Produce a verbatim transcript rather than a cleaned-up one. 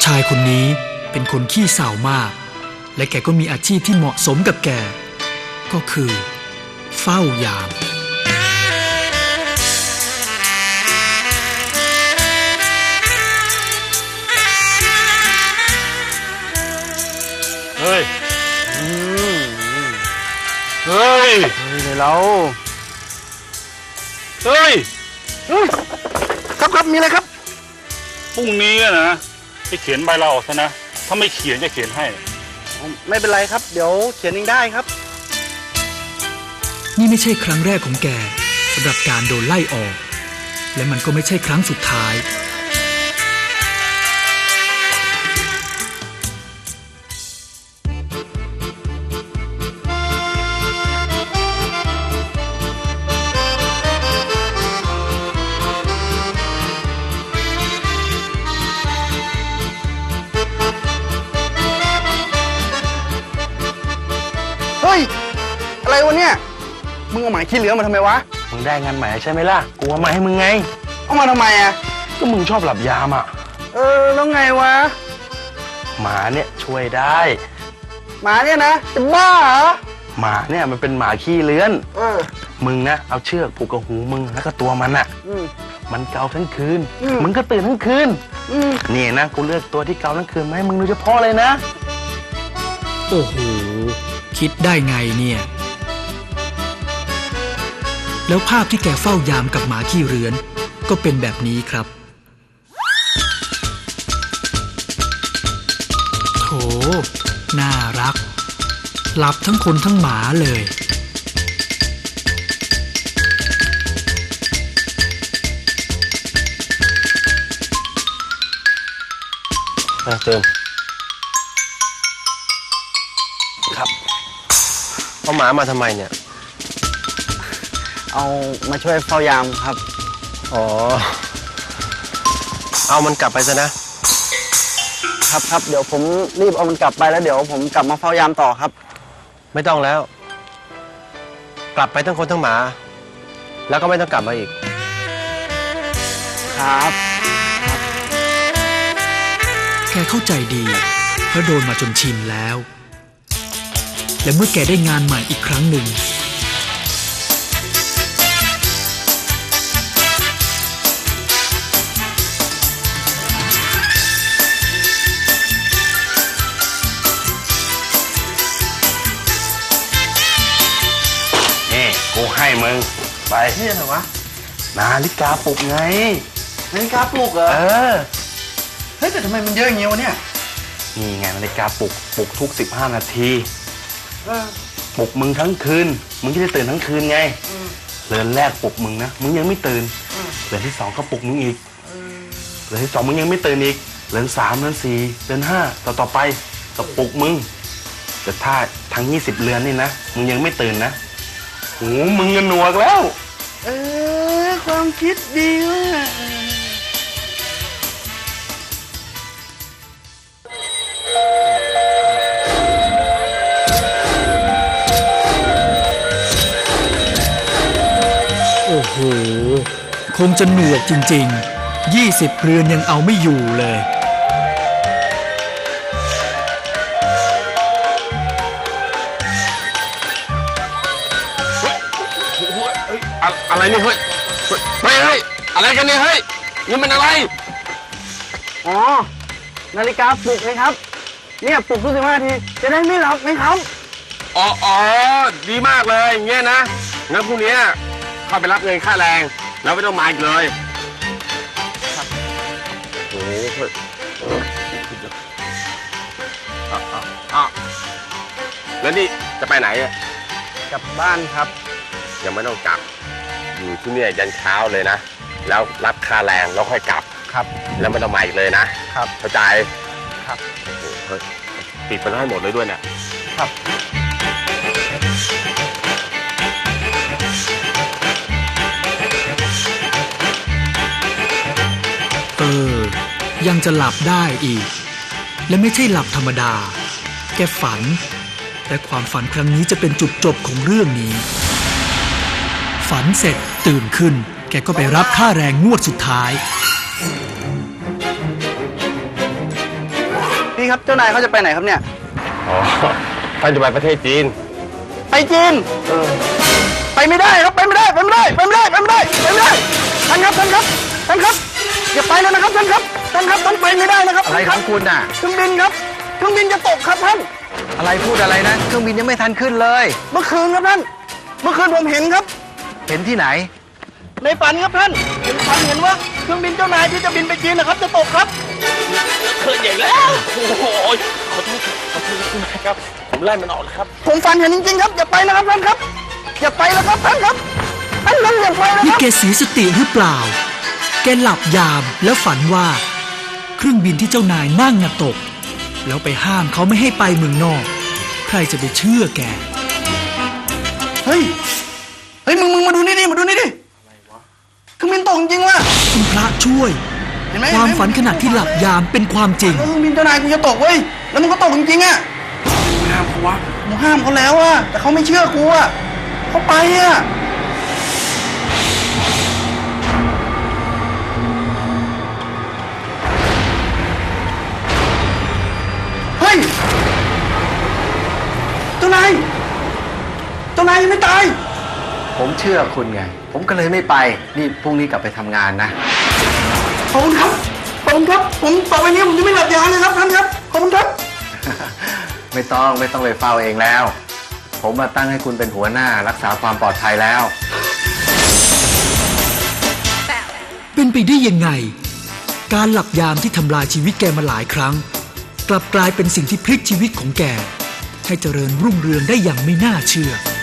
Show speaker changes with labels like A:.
A: ชายคนนี้เป็นคนขี้เศร้ามากและแกก็มีอาชีพที่เหมาะสมกับแกก็คือเฝ้ายาม
B: เฮ้ยเฮ้ยเฮ้ยเราเฮ้ยครับครับมีอะไรครับพรุ่งนี้นะจะเขียนใบลาออกซะนะถ้าไม่เขียนจะเขียนให้ไม่เป็นไรครับเดี๋ยวเขียนเองได้ครับ
A: นี่ไม่ใช่ครั้งแรกของแกสำหรับการโดนไล่ออกและมันก็ไม่ใช่ครั้งสุดท้าย
B: เฮ้ยอะไรวะเนี่ยมึงเอาหมายขี้เหลือมาทำไมวะมึงได้งานใหม่ใช่ไหมล่ะกูเอามาให้มึงไงเอามาทำไมอ่ะก็มึงชอบหลับยามอ่ะเออแล้วไงวะหมาเนี่ยช่วยได้หมาเนี่ยนะจะบ้าเหรอหมาเนี่ยมันเป็นหมาขี้เลื้อนเออมึงนะเอาเชือกผูกกับหูมึงแล้วก็ตัวมันอ่ะมันเกาทั้งคืนมึงก็ตื่นทั้งคืนนี่นะกูเลือกตัวที่เกาทั้งคืนมาให้มึงโดยเฉพาะเลยนะ
A: โอ้โหคิดได้ไงเนี่ยแล้วภาพที่แกเฝ้ายามกับหมาขี้เรือนก็เป็นแบบนี้ครับโถน่ารักหลับทั้งคนทั้งหมาเลย
B: เติมครับเอาหมามาทำไมเนี่ยเอามาช่วยเฝ้ายามครับอ๋อเอามันกลับไปซะนะครับครับเดี๋ยวผมรีบเอามันกลับไปแล้วเดี๋ยวผมกลับมาเฝ้ายามต่อครับไม่ต้องแล้วกลับไปทั้งคนทั้งหมาแล้วก็ไม่ต้องกลับมาอีกครับ
A: แกเข้าใจดีเพราะโดนมาจนชินแล้วและเมื่อแกได้งานใหม่อีกครั้งหนึ่ง
B: นี่กูให้มึงไปนี่อะไรวะนาฬิกาปลุกไงนาฬิกาปลุกเหรอเออเฮ้ยแต่ทำไมมันเยอะอย่างเงี้ยวะเนี่ยนี่ไงนาฬิกาปลุกปลุกทุกสิบห้านาทีปลุกมึงทั้งคืนมึงจะได้ตื่นทั้งคืนไงเรือนแรกปลุกมึงนะมึงยังไม่ตื่นเรือนที่สองก็ปลุกมึงอีกเรือนที่สองมึงยังไม่ตื่นอีกเรือนสามเรือนสี่เรือนห้าต่อต่อไปก็ปลุกมึงแต่ถ้าทั้งยี่สิบเรือนนี่นะมึงยังไม่ตื่นนะโอ้มึงเงินหนวกแล้วเออความคิดดีว่ะ
A: โอ้โหคงจะหนวกจริงๆยี่สิบเรือนยังเอาไม่อยู่เลย
B: อะไรเนี่ยเฮ้ยไม่เฮ้ยอะไรกันเนี่ยเฮ้ยนี่มันอะไรอ๋อนาฬิกาปลุกไหมครับเนี่ยปลุกทุกสิบห้านาทีจะได้ไม่หลับไหมครับอ๋ออ๋อดีมากเลยอย่างเงี้ยนะงั้นพรุ่งนี้เข้าไปรับเงินค่าแรงแล้วไม่ต้องมาอีกเลยครับโอ้โหอ่ะอ่ะอ่ะแล้วนี่จะไปไหนอ่ะกลับบ้านครับยังไม่ต้องกลับอยู่ที่นี่ยันเช้าเลยนะแล้วรับค่าแรงแล้วค่อยกลับครับแล้วไม่ต้องมาอีกเลยนะครับเข้าใจครับโอ้โหเฮ้ยปิดมันให้หมดเลยด้วยเนี่ยครับ
A: เออยังจะหลับได้อีกและไม่ใช่หลับธรรมดาแกฝันแต่ความฝันครั้งนี้จะเป็นจุดจบของเรื่องนี้ ฝันเสร็จตื่นขึ้นแกก็ไปรับค่าแรงงวดสุดท้าย
B: นี่ครับเจ้านายเขาจะไปไหนครับเนี่ย
C: อ๋อท่านจะไปประเทศจีน
B: ไปจีนไปไม่ได้ครับไปไม่ได้ไปไม่ได้ไปไม่ได้ไปไม่ได้ไปไม่ได้ท่านครับท่านครับท่านครับอย่าไปเลยนะครับท่านครับท่านครับท่านไปไม่ได้นะครับ
C: อะไรของคุณน่ะ
B: เครื่องบินครับเครื่องบินจะตกครับท่าน
C: อะไรพูดอะไรนะ เครื่องบินยังไม่ทันขึ้นเลย
B: เมื่อคืนครับท่านเมื่อคืนผมเห็นครับ
C: เห็นที่ไหน
B: ในฝันครับท่านเห็นฝันเห็นว่าเครื่องบินเจ้านายที่จะบินไปจีนนะครับจะตกครับ
D: เคยใหญ่แล้วโอ้โหขอโทษขอโทษนะครับ ผมไล่มันออกแล้วครับ
B: ผมฝันเห็นจริงๆครับอย่าไปนะครับท่านครับอย่าไปแล้วครับท่านครับท่านนั้นอย่าไปนะ
A: นี่
B: ครับ
A: แกเสียสติหรือเปล่า แกหลับยามแล้วฝันว่า เครื่องบินที่เจ้านายนั่งน่ะตก แล้วไปห้ามเขาไม่ให้ไปเมืองนอก ใครจะไปเชื่อแก
B: เฮ้ยเฮ้ยมึงมึงมาดูนี่ดิมาดูนี่ดิเครื่องบินตกจริงๆว่ะ
A: คุณพระช่วย
B: เห็นไหม
A: ความฝันขณะที่หลับยามเป็นความจริง
B: แล้วเครื่องบินเจ้านายกูจะตกเว้ยแล้วมันก็ตกจริงๆอ่ะ
D: ห้ามเขาวะ
B: กูห้ามเขาแล้วอ่ะแต่เขาไม่เชื่อกูอ่ะเขาไปอ่ะเฮ้ยเจ้านายเจ้านายยังไม่ตาย
C: ผมเชื่อคุณไง ผมก็เลยไม่ไป นี่พรุ่งนี้กลับไปทำงานนะ
B: ขอบคุณครับขอบคุณครับผมต่อไปนี้ผมจะไม่หลับยาวเลยครับท่านครับขอบคุณครับ
C: ไม่ต้องไม่ต้องไปเฝ้าเองแล้ว ผมมาตั้งให้คุณเป็นหัวหน้ารักษาความปลอดภัยแล้ว
A: เป็นไปได้ยังไง การหลับยามที่ทำลายชีวิตแกมาหลายครั้ง กลับกลายเป็นสิ่งที่พลิกชีวิตของแก ให้เจริญรุ่งเรืองได้อย่างไม่น่าเชื่อ